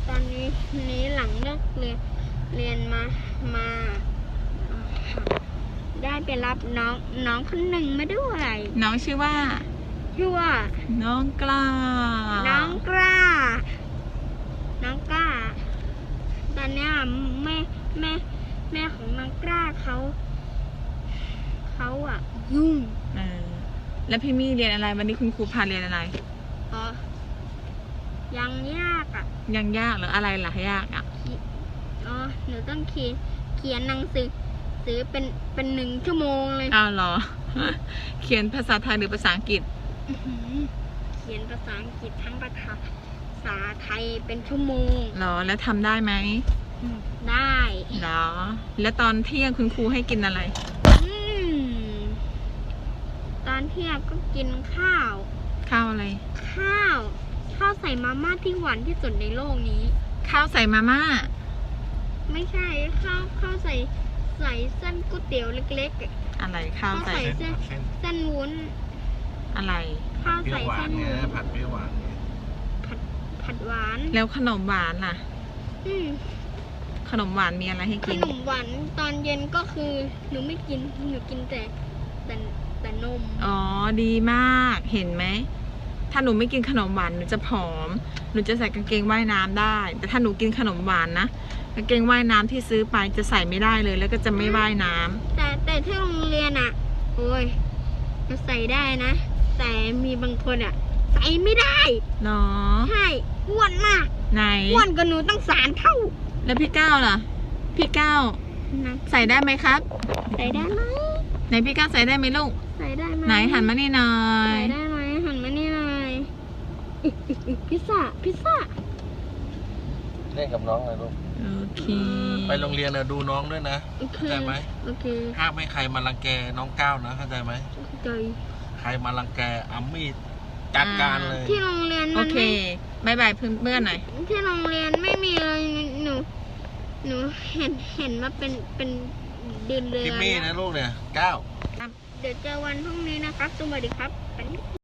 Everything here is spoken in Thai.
ตอนนี้หลังเลิกเรียนมาได้ไปรับน้องคนหนึ่งมาด้วยน้องชื่อว่าน้องกล้า น้องกล้า ตอนนี้แม่ของน้องกล้าเขาอะยุ่งแล้วพี่มี่เรียนอะไรวันนี้คุณครูพาเรียนอะไรอ๋อยังยากอะยังยากหรืออะไรล่ะยากอ่ะอ๋อหนูต้องเขียนหนังสือเป็น1 ชั่วโมงเลยอ้าวเหรอ เขียนภาษาไทยหรือภาษาอังกฤษเขียนภาษาอังกฤษทั้งภาษาไทยเป็นชั่วโมงเหรอแล้วทำได้ไหมได้เหรอแล้วตอนเที่ยงคุณครูให้กินอะไรตอนเที่ยงก็กินข้าวข้าวอะไรข้าวใส่มาม่าที่หวานที่สุดในโลกนี้ข้าวใส่มาม่าไม่ใช่ข้าวใส่เส้นก๋วยเตี๋ยวเล็กๆอะไรข้าวใส่เส้นวุ้นอะไรข้าวใส่เส้นวุ้นผัดเปรี้ยวหวานไงผัดหวานแล้วขนมหวานล่ะ ขนมหวานมีอะไรให้ขกินนมหวานตอนเย็นก็คือหนูไม่กินหนูกินแต่นมอ๋อดีมากเห็นไหมถ้าหนูไม่กินขนมหวานหนูจะผอมหนูจะใส่กางเกงว่ายน้ำได้ แต่ถ้าหนูกินขนมหวานนะกางเกงว่ายน้ำที่ซื้อไปจะใส่ไม่ได้เลยแล้วก็จะไม่ว่ายน้ำแต่ที่โรงเรียนอ่ะโอ้ยจะใส่ได้นะ แต่มีบางคนอ่ะใส่ไม่ได้เนาะใช่อ้วนมากไหนอ้วนกว่าหนูตั้ง3 เท่าแล้วพี่ก้าวล่ะ พี่ก้าวนะใส่ได้ไหมครับใส่ได้ไหมไหนพี่ก้าวใส่ได้ไหมลูกใส่ได้ไหมไหนหันมานี่หน่อยใส่ได้ไหมหันมานี่หน่อยพิซซ่าเล่นกับน้องเลยลูกโอเคไปโรงเรียนนะดูน้องด้วยนะโอเคเข้าใจไหมโอเคห้ามไม่ใครมารังแกน้องก้าวนะเข้าใจไหมใจใครมารังแกเอามีดจัดการเลยที่โรงเรียนโอมันเคบายบายเพื่อนๆหน่อยที่โรงเรียนไม่มีเลยหนูเห็นมาเป็นเดือนเลยพิมมี่นะลูกเนี่ยก้าวเดี๋ยวเจอวันพรุ่งนี้นะครับสวัสดีครับ